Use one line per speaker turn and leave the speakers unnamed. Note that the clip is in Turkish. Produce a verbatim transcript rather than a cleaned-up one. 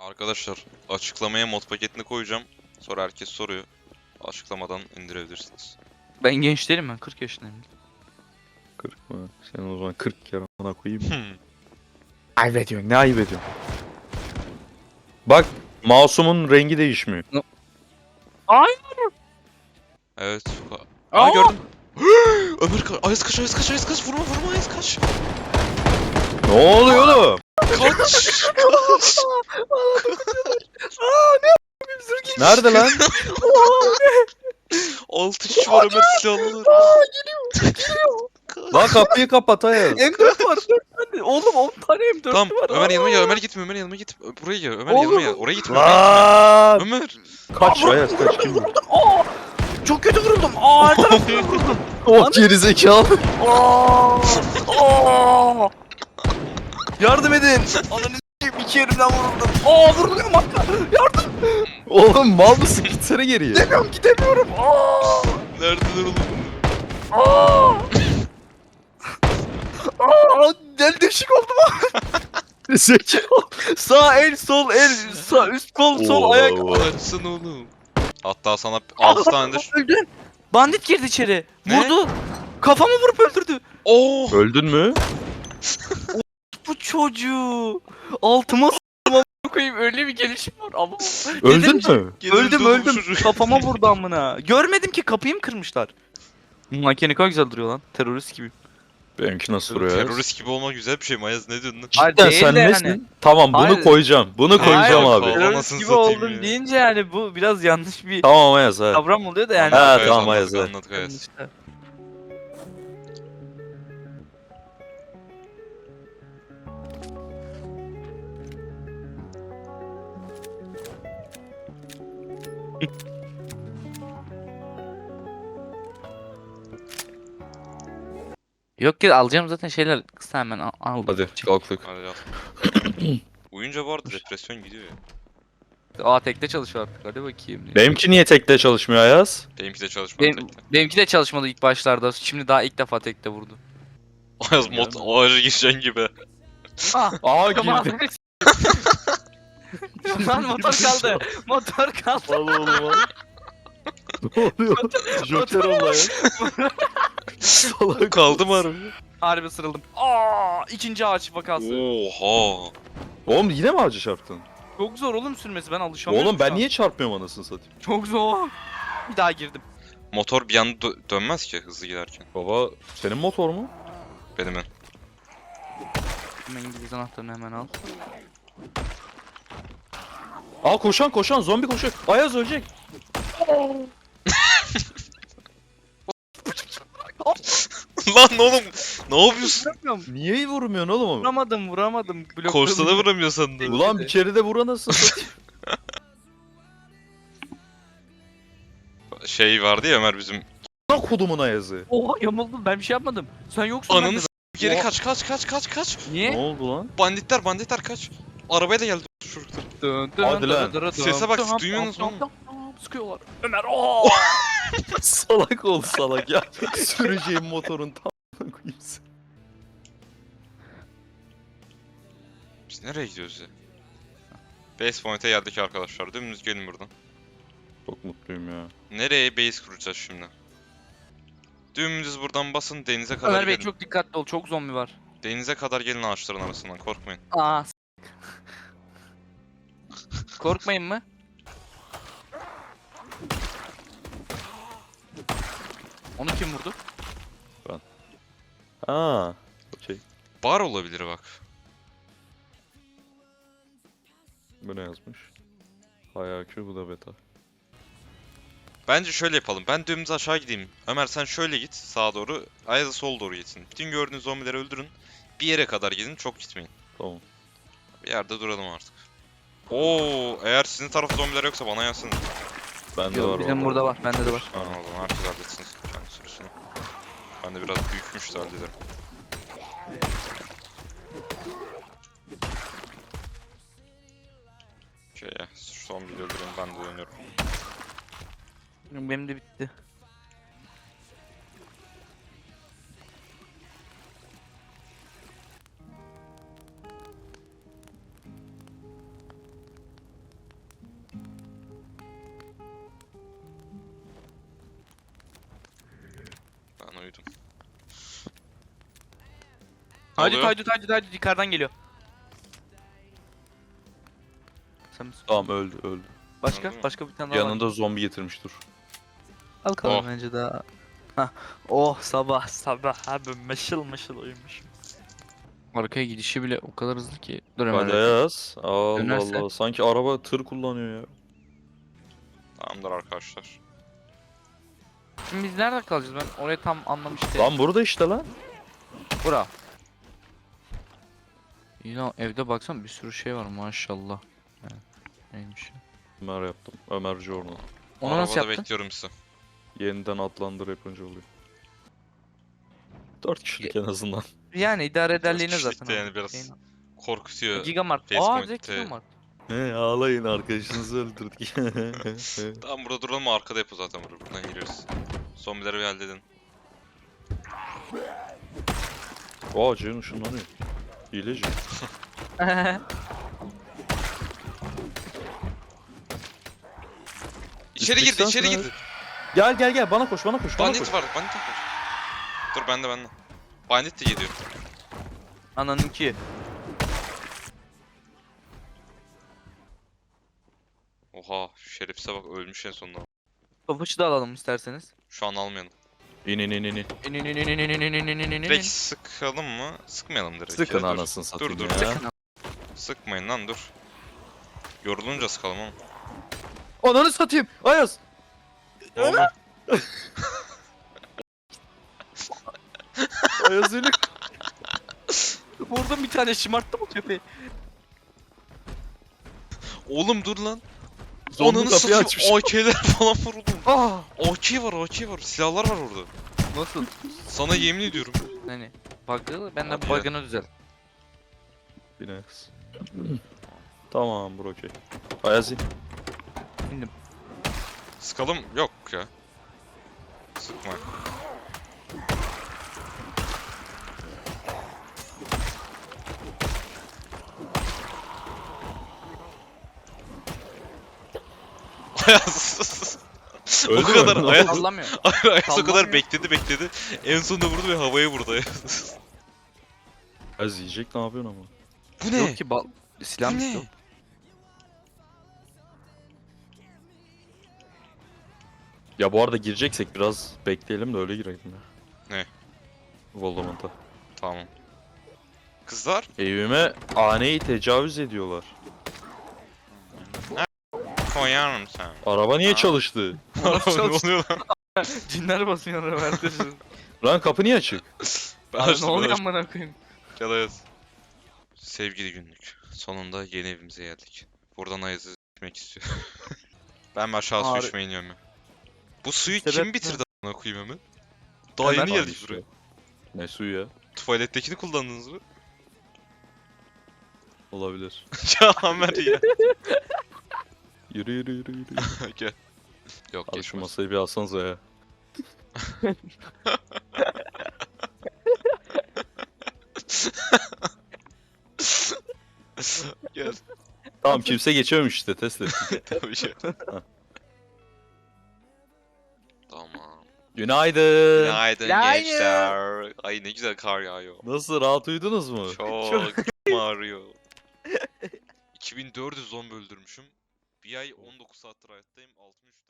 Arkadaşlar açıklamaya mod paketini koyacağım. Sonra herkes soruyor. Açıklamadan indirebilirsiniz.
Ben genç değilim, ben kırk yaşındayım.
kırk mı? Sen o zaman kırk kere ona koyayım.
Hmm.
Ayıp ediyorsun. Ne ayıp ediyorsun? Bak mouse'umun rengi değişmiyor.
Ay!
Evet.
Aa!
Aa gördüm. Ömer ka Ayaz kaç Ayaz kaç Ayaz kaç vurma vurma Ayaz kaç.
Ne oluyor oğlum?
Kaç. Kaç.
Nerede lan?
Altı kişi var Ömer silahlılar.
Lan kapıyı kapat Ayaz.
M dört var, dört tane. Oğlum on tane M dört
Tamam
var.
Ömer
Aa!
yanıma gel Ömer gitme Ömer yanıma git. Buraya gel Ömer
Oğlum.
yanıma gel. Oraya gitme oraya
Lan!
gitme. Ömer.
Kaç Ayaz kaç kim bu?
Aa! Çok kötü vuruldum. Aa, her tarafına vuruldum.
O gerizekalı.
Aa! Aa! Yardım edin. Ananı s**eyim, iki yerimden vuruldum. Aa, vuruluyorum hatta. Yardım.
Oğlum mal mısın? Gitsene geriye.
Gidemiyorum, gidemiyorum. Aa!
Neredeler oğlum?
Aa! Aa! Del deşik oldum.
Zekalı.
Sağ el, sol el, sağ üst kol, sol
Oo,
ayak.
oo.
Açsana oğlum. Hatta sana altı tanedir.
Öldün. Bandit girdi içeri.
Ne?
Vurdu. Kafamı vurup öldürdü.
Oo.
Öldün mü?
Bu çocuğu. Altıma s***ım koyayım, öyle bir gelişim var ama.
Öldün
Dedim,
mü?
Öldüm
oğlum bu
öldüm.
çocuk.
Kafama vurdu amına. Görmedim ki, kapıyı mı kırmışlar? Makine ne kadar güzel duruyor lan. Terörist gibi.
Benimki nasıl duruyor Ayaz?
Terörist gibi olmak güzel bir şey mi Ayaz, ne diyorsun lan?
Hayır,
Cidden
değil
sen
de
nesin?
yani.
Tamam bunu
Hayır.
koyacağım. Bunu koyacağım
Hayır,
abi.
kol-
Terörist
Anasını
gibi
satayım
oldum
ya.
deyince yani bu biraz yanlış bir
Tamam Ayaz ha.
kavram oluyor da yani.
Ha,
Anladık,
tamam,
anladık,
Ayaz,
anladık Ayaz.
İşte. Yok ki, alacağım zaten şeyler kısa, hemen al. al.
Hadi kalktık.
Hadi yat. Uyunca bu arada depresyon gidiyor ya.
Aa, tekte çalışıyor artık, hadi bakayım.
Benimki niye tekte çalışmıyor Ayaz?
Benimki de çalışmadı
Benim,
tekte.
benimki de çalışmadı ilk başlarda. Şimdi daha ilk defa tekte vurdu.
Ayaz mod ağacı geçen gibi.
Ah,
Aa
tamam. Lan motor kaldı. Motor kaldı.
Al oğlum al. Ne oluyor? Joker oldu Ayaz. Salak.
Kaldı mı harbi?
Harbi sırıldım. Aa, ikinci ağaç vakası.
Oha.
Oğlum yine mi ağacı çarptın?
Çok zor oğlum sürmesi, ben alışamıyorum.
Oğlum
şu
ben
an.
niye çarpmıyorum anasını satayım?
Çok zor. Bir daha girdim.
Motor bir anda dö- dönmez ki hızlı giderken.
Baba senin motor mu?
Benim en.
Hemen İngiliz anahtarını hemen al.
Aa koşan koşan zombi koşuyor. Ayaz ölecek.
Lan oğlum ne yapıyorsun?
Vuramıyorum.
Niye vurmuyorsun oğlum onu?
Vuramadım vuramadım. Blokladım.
Korsana vuramıyor sandım.
Ulan bir kere de vur anasını satayım.
Şey vardı ya Ömer bizim.
Lan kodumun Ayaz'ı.
Oha, yamuldum, ben bir şey yapmadım. Sen yoksun.
Ananı
bende.
s- geri
Oha.
kaç kaç kaç kaç kaç.
Ne
Niye?
oldu lan?
Banditler banditler kaç. Arabayla geldi çocuklar.
Dön, dön,
Hadi lan.
dön, dön,
Sese bak,
dön,
duyuyor musun
dön,
oğlum?
dön, dön, sıkıyorlar. Ömer ooo.
Salak ol salak ya. Süreceğim motorun tam koyayım seni.
Biz nereye gidiyoruz ya? Base point'e geldik arkadaşlar. Dümdüz gelin buradan.
Çok mutluyum ya.
Nereye base kuracağız şimdi? Dümdüz buradan basın denize kadar
Ömer Bey
gelin.
çok dikkatli ol, çok zombi var.
Denize kadar gelin ağaçların arasından, korkmayın.
Aa. s- Korkmayın mı? Onu kim vurdu?
Aa. Okey.
Bar olabilir bak.
Bu ne yazmış? Hayakü bu da beta.
Bence şöyle yapalım. Ben dümdüz aşağı gideyim. Ömer sen şöyle git sağa doğru. Ayaz da sol doğru gitsin. Bütün gördüğünüz zombileri öldürün. Bir yere kadar gidin, çok gitmeyin.
Tamam.
Bir yerde duralım artık. Oo, eğer sizin tarafta zombiler yoksa bana yazsın.
Bende
Yok,
var
bizim
vallahi.
burada var, bende de var.
Tamam o zaman herkes halletsin kendi sürüsünü. Ben de biraz büyükmüş de hallederim. Şey ya, şu son bir öldüreyim, ben de dönüyorum.
Benim de bitti. Haydi
oluyor?
haydi haydi haydi yukarıdan geliyor. Sen misin?
Tamam öldü öldü.
Başka?
Öldü mü?
Başka bir tane daha var.
Yanında zombi getirmiş dur.
Al kalalım
Oh.
bence daha. Hah. Oh sabah sabah abi mışıl mışıl uyumuşum. Arkaya gidişi bile o kadar hızlı ki. Dur hemen.
Hadi yaz. Allah
Dönerse?
Allah. Sanki araba tır kullanıyor ya.
Tamamdır arkadaşlar.
Şimdi biz nerede kalacağız, ben orayı tam anlamıştım.
Lan burada işte lan.
Bura. İyi lan, evde baksana bir sürü şey var maşallah. Yani, neymiş ya?
Ömer yaptım. Ömer Jorno.
Onu
Arabada
nasıl yaptın?
bekliyorum sizi.
Yeniden adlandır yapınca oluyor. Dört kişilik en azından.
Yani idare ederliğine
Biraz
zaten.
kişilikte yani
o
biraz.
şeyin-
Korkutuyor.
Gigamart.
Face
Aa
point,
direkt
e.
Gigamart.
He ağlayın arkadaşınızı öldürdük.
Tamam burada duralım, arkada yapı zaten burada. Buradan giriyoruz. Zombileri bir halledin.
Aa Ceyhun ışınlanıyor. Hileci.
İçeri girdi,
Üstlük
içeri
sensin
girdi.
Gel gel gel bana koş bana koş bana koş.
Bandit var, bandit var. Dur bende bende. Bandit de geliyor.
Ananınki.
Oha, şu şerefsize bak, ölmüş en sonunda.
Topaçı da alalım isterseniz.
Şu an almayalım.
İn in in in in.
İn in in in in in in in in in in
Direkt sıkalım mı? Sıkmayalım direkt.
Sıkın
Ya, dur.
anasını satayım
dur,
ya.
Sıkın. Sıkmayın lan, dur. Yorulunca sıkalım oğlum.
Ananı satayım. Ayaz.
Oğlum.
Ayaz seni.
Vurdum bir tane, şımarttı bu köpeği.
Oğlum dur lan.
Zombi
Ananı
kapıyı
satayım,
açmış.
A K'ler falan var oğlum.
Ah!
A K var, A K var. Silahlar var orada.
Nasıl?
Sana yemin ediyorum.
Hani bug'ı, ben de
Hadi ya.
bug'ını düzelt.
Bines. Tamam bro okey. Ayaz in.
İndim.
Sıkalım yok ya. Sıkma. Ayaz. o
Öldü mü?
kadar
Ne
Ayaz,
Sallamıyor.
Ayaz o kadar
Sallamıyor.
bekledi bekledi. En sonunda vurdu ve havaya vurdu Ayaz.
Ayaz yiyecek ne yapıyorsun ama?
Bu ne?
Yok ki bal... Silah
Bu
mı
ne?
yok?
Ya bu arada gireceksek biraz bekleyelim de öyle girelim ya.
Ne?
Voldemort'a.
Tamam. Kızlar
Evime aneyi tecavüz ediyorlar.
koyar mısın?
Araba niye
Aa.
çalıştı?
ne oluyor lan?
Cinler basıyor Robert'e.
Lan kapı niye açık?
Ben
Abi ne
açtım, ben
oluyor
açtım.
amına koyayım?
Gel Ayaz. Sevgili günlük. Sonunda yeni evimize geldik. Buradan Ayaz'ı gitmek istiyor. ben aşağı su
Ağrı-
içmeye iniyorum ya. Bu suyu
Sebep
kim
ne?
bitirdi a**ına koyayım hemen? Daha
Ömer
yeni
Lan
geldik
işte.
buraya.
Ne suyu ya?
Tuvalettekini kullandınız mı?
Olabilir.
ya Amer ya.
Yürü yürü yürü yürü.
Gel. Yok
Hadi şu
geçmez.
masayı bir alsanıza ya.
Gel.
Tamam kimse geçememiş işte test ettim.
Tabii şey. Tamam.
Günaydın.
Günaydın
Günaydın.
gençler. Ay ne güzel kar yağıyor.
Nasıl rahat uyudunuz mu?
Çok ağrıyor. iki bin dört yüz zombi öldürmüşüm. Bir ay on dokuz saattir hayattayım. altmış üç